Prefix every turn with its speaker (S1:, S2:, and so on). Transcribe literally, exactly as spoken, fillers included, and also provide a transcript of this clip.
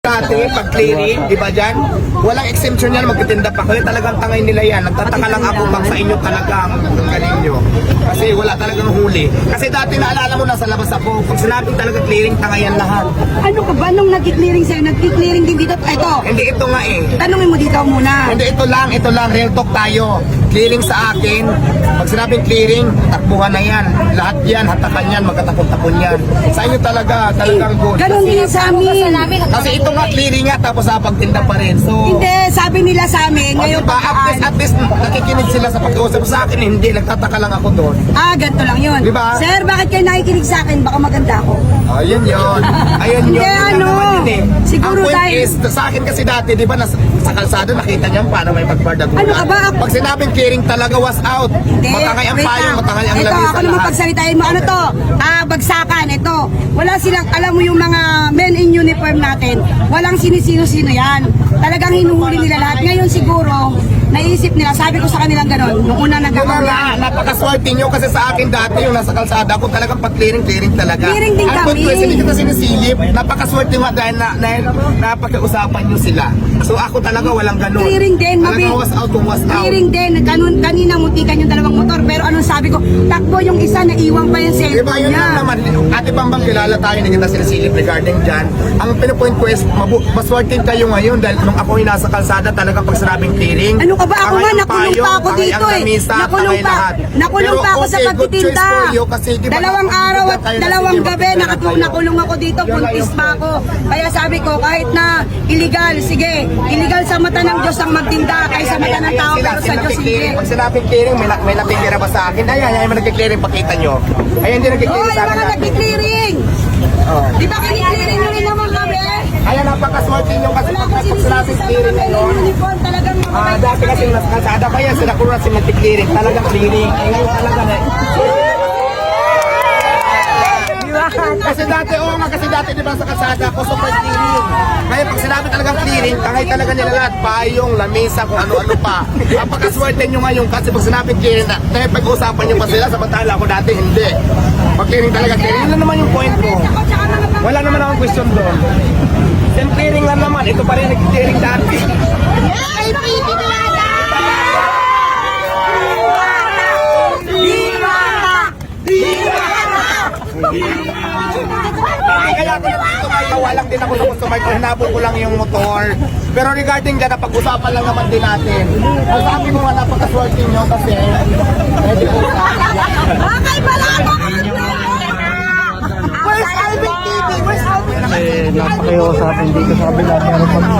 S1: Dati, pag clearing, di ba dyan? Walang exemption yan, magtitinda pa. Kaya talagang tangay nila yan. Nagtataka lang ako pag sa inyo talagang galing nyo. Kasi wala talagang huli. Kasi dati naalala mo, nasa labas ako. Pag sinabing talaga clearing, tangay yan lahat.
S2: Ano ka ba nung nag-clearing sa'yo? Nag-clearing din dito? Ito,
S1: Hindi ito nga eh.
S2: tanungin mo dito muna.
S1: Hindi, ito lang, ito lang. Real talk tayo. Clearing sa akin. Pag sinabing clearing, takbuhan na yan. Lahat yan, hatakan yan, magkatapon-tapon yan. Sa inyo talaga, talagang good.
S2: Ganon din sa amin.
S1: Kasi ito nga clearing nga, tapos sa pagtinda pa rin. So,
S2: Hindi, sabi nila sa amin,
S1: O,
S2: ngayon
S1: diba, at least, at least nakikinig sila sa pag-uusap sa akin, hindi, nagtataka lang ako doon.
S2: Ah, ganito lang yun.
S1: Diba?
S2: Sir, bakit kayo nakikinig sa akin? Baka maganda ako.
S1: Ayun yun. Ayun yun.
S2: Hindi,
S1: Yun lang
S2: ano,
S1: naman yun eh.
S2: siguro
S1: Ang point
S2: dahil-
S1: is, sa akin kasi dati, di ba, nas, sa kalsado, nakita niyo paano may pagbardagulan.
S2: Ano ka ba?
S1: Pag sinabing clearing talaga was out.
S2: Hindi,
S1: Matangay ang
S2: wait
S1: payong,
S2: lang.
S1: matangay ang
S2: Ito,
S1: lamisa
S2: ako naman
S1: lahat.
S2: pagsalitain mo. Ano to? Ah, bagsakan. Ito. Wala silang, alam mo yung mga men in uniform natin, walang sinisino-sino yan. Talagang hinuhuli nila lahat. Ngayon siguro, naisip nila, sabi ko sa kanilang gano'n, nung una
S1: Yung
S2: nagkakaroon.
S1: mga napakaswerte nyo kasi sa akin dati yung nasa kalsada ako talagang pat-clearing, clearing talaga.
S2: Clearing din
S1: Ang
S2: kami.
S1: point ko is, hindi kita sinisilip. Napakaswerte nga dahil na, dahil napag-usapan nyo sila. So ako talaga walang ganun.
S2: Clearing din,
S1: Talagang
S2: mabi-
S1: was out kung was out.
S2: Clearing din. Kanun, kanina muntikan yung dalawang motor. Pero anong sabi ko, takbo yung isa, naiwang pa yung
S1: Diba
S2: cellphone
S1: yun
S2: niya.
S1: lang naman, ate Bambang kilala tayo, hindi kita sinisilip regarding dyan. Ang pinupoint ko is, mabu- maswerte kayo ngayon dahil nung ako yung nasa kalsada talagang pag sinabing clearing.
S2: Ano ka ba? Ako
S1: tangay
S2: nga,
S1: ang
S2: nakulong
S1: payong,
S2: pa ako
S1: tangay
S2: dito
S1: ang
S2: eh.
S1: lamisa,
S2: Nakulong
S1: tangay
S2: pa,
S1: lahat.
S2: nakulong
S1: Pero
S2: pa ako sa
S1: okay, good choice
S2: pagtitinda.
S1: for you kasi, di ba,
S2: Dalawang
S1: nakapagtinda
S2: araw at
S1: kayo na
S2: dalawang
S1: sige,
S2: gabi,
S1: magtinda
S2: nakatu-
S1: kayo.
S2: nakulong ako dito,
S1: Yun lang
S2: buntis
S1: yung
S2: pa ako. Kaya sabi ko, kahit na illegal, sige, illegal sa mata ng Diyos ang magtinda, kaysa sa mata ng tao,
S1: Sila,
S2: pero sa
S1: sila
S2: Diyos hindi.
S1: nagki-clearing. Pag sinabing clearing, may, na- may natitira ba sa akin? Ayan, ayan, may nagki-clearing, pakita nyo. Ayan, hindi
S2: Oo,
S1: nagki-clearing sa
S2: yung
S1: akin.
S2: mga
S1: dati.
S2: nagki-clearing.
S1: Oh.
S2: Di ba kini-clearing nyo rin naman kami?
S1: Ayan, napakaswerte nyo kasi
S2: Wala
S1: pag
S2: akong
S1: pag sinabing
S2: sinisisi sa
S1: clearing
S2: mga men
S1: ngayon,
S2: in uniform, talagang
S1: Ah,
S2: mababait.
S1: dati kasi nasa kalsada pa yan, sila kuro na sila clearing, talagang clearing. Eh, ngayon talaga na. Kasi dati, oo nga, kasi dati di ba sa kalsada ako, super clearing. Ngayon pag sinabi talagang clearing, tangay talaga nila lahat, payong, lamesa, kung ano-ano pa. Ang pagkaswerte nyo ngayon kasi pag sinabi clearing, na, dahil pag-usapan nyo pa sila, samantala ako dati, hindi. Pag clearing talaga, clearing. Yun lang naman yung point ko. Wala naman akong question doon. Then clearing lang naman, ito pa rin nag-clearing dati. Hindi kaya ako nandito ngayon, walang din ako sa customer ko, hinabol ko lang yung motor. Pero regarding dyan, napag-usapan lang naman din natin. Ang sabi ko nga napaka-swerte nyo kasi, medyo po sa
S2: Bakay pala ako!
S1: Where's Alvin T V? Where's Alvin?
S3: Eh, napakayo sa akin dito sa kabila. Meron pag